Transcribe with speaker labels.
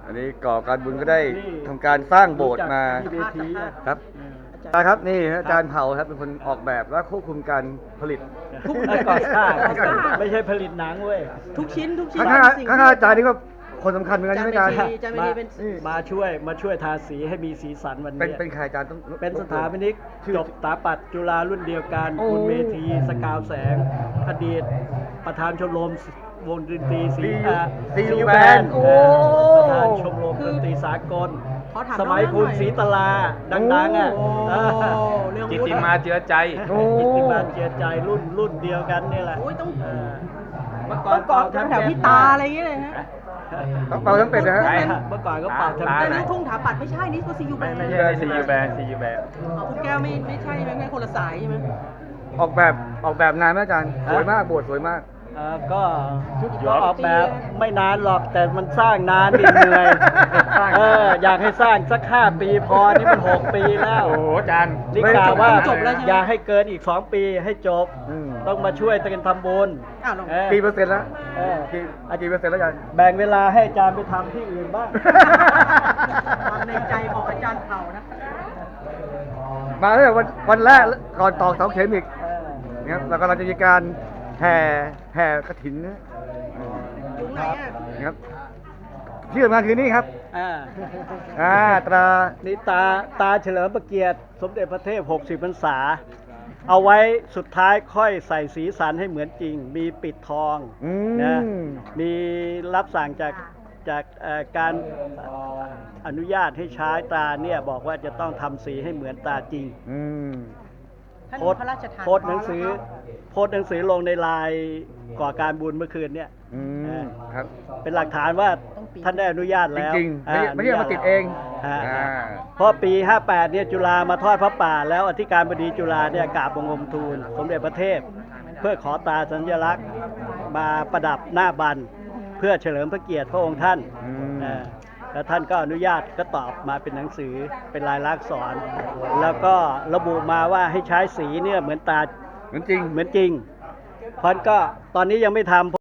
Speaker 1: อันนี้ก่อการบุญก็ได้ทำการสร้างโบสถ์มาครับอาจารย์ครับนี่อาจารย์เผ่าครับเป็นคนออกแบบและควบคุมการผลิต
Speaker 2: ทุกก่อสร้างไม่ใช่ผลิตหนังเว้ย
Speaker 3: ทุกชิ้น
Speaker 1: ข้างอาจารย์นี่ก็คนสำคัญเหมือนกันใช่ไหมอาจารย์
Speaker 3: อาจารย์ไม่ดีเป็น
Speaker 2: มาช่วยทาสีให้มีสีสันวันนี้
Speaker 1: เป็นใครอาจารย์ต้อง
Speaker 2: เป็นสถาปนิกจบสถาปัตย์จุฬารุ่นเดียวกันคุณเมธีสกาวแสงอดีตประธานชมรมวงดนตรีซียูแบนด์ประธานชมรมดนตรีสากลสมัยคุณศรีตลาดังๆอ่ะ
Speaker 4: จิตติมาเจือใจ
Speaker 2: จิตติมาเจือใจรุ่นเดียวกันนี่แหละ
Speaker 3: โอ้ยต้อง
Speaker 2: เมื่อก่
Speaker 3: ต้
Speaker 2: อ
Speaker 3: อน งกอดแถวพี่ตาอะไรอย่างเงี้ยเลยฮะ
Speaker 1: ต้องเป่าทั้งเป็ดนะฮะ
Speaker 2: เมื่อก่อนก็เป่าทำ
Speaker 3: แต่
Speaker 2: ไม
Speaker 3: ลูกทุ่งถาปัดไม่ใช่นี่ก็ซียูแบน
Speaker 4: ไม่ใช่ซียูแบนซียูแบน
Speaker 3: คุณแก้วไม่ใช่ไหมคนละสายใช่ไหม
Speaker 1: ออกแบบนานไหมอาจารย์สวยมากโบสถ์สวยมาก
Speaker 2: ก็ออกแบบไม่นานหรอกแต่มันสร้างนานดิเหนื่อยอยากให้สร้างสัก5 ปีพอนี่มัน6 ปีแล้ว
Speaker 4: โอ้โหอาจารย์
Speaker 2: นี่กล่าวว่าอย่าให้เกินอีก2 ปีให้จบ ต้องมาช่วยกันทำบุญ
Speaker 1: กี่เปอร์เซ็นต์แล้วกี่เปอร์เซ็นต์แล้วอาจารย์
Speaker 2: แบ่งเวลาให้อาจารย์ไปทำที่อื่นบ้าง
Speaker 3: ความในใจของอาจารย์เผ่านะ
Speaker 1: มาตั้งแต่วันแรกก่อนตอกเสาเข็มอีกนะครับแล้วก็เราจะมีการแห่กฐินนะ
Speaker 3: ตรงไหนอ่ะ
Speaker 1: นะครับที่สำคัญคือนี่ครับตรา
Speaker 2: นี่ตาเฉลิมพระเกียรติสมเด็จพระเทพ60 พรรษา เอาไว้สุดท้ายค่อยใส่สีสันให้เหมือนจริง มีปิดทองนะมีรับสั่งจากการอนุญาตให้ใช้ตาเนี่ยบอกว่าจะต้องทำสีให้เหมือนตาจริงโพสต์หนังสือลงในไลน์ก่อการบุญเมื่อคืนเนี่ย
Speaker 1: ครับ
Speaker 2: เป็นหลักฐานว่าท่านได้อนุญาตแล้ว
Speaker 1: จริงๆไม่ใช่มาติดเอง
Speaker 2: เพราะปี58เนี่ยจุฬามาทอดพระป่าแล้วอธิการบดีจุฬาเนี่ยกราบบังคมทูลสมเด็จพระเทพเพื่อขอตาสัญลักษณ์มาประดับหน้าบันเพื่อเฉลิมพระเกียรติพระองค์ท่านแล้วท่านก็อนุญาตก็ตอบมาเป็นหนังสือเป็นลายลักษณ์อักษรแล้วก็ระบุมาว่าให้ใช้สีเนี่ยเหมือนตาเหมือนจริงเพราะก็ตอนนี้ยังไม่ทำ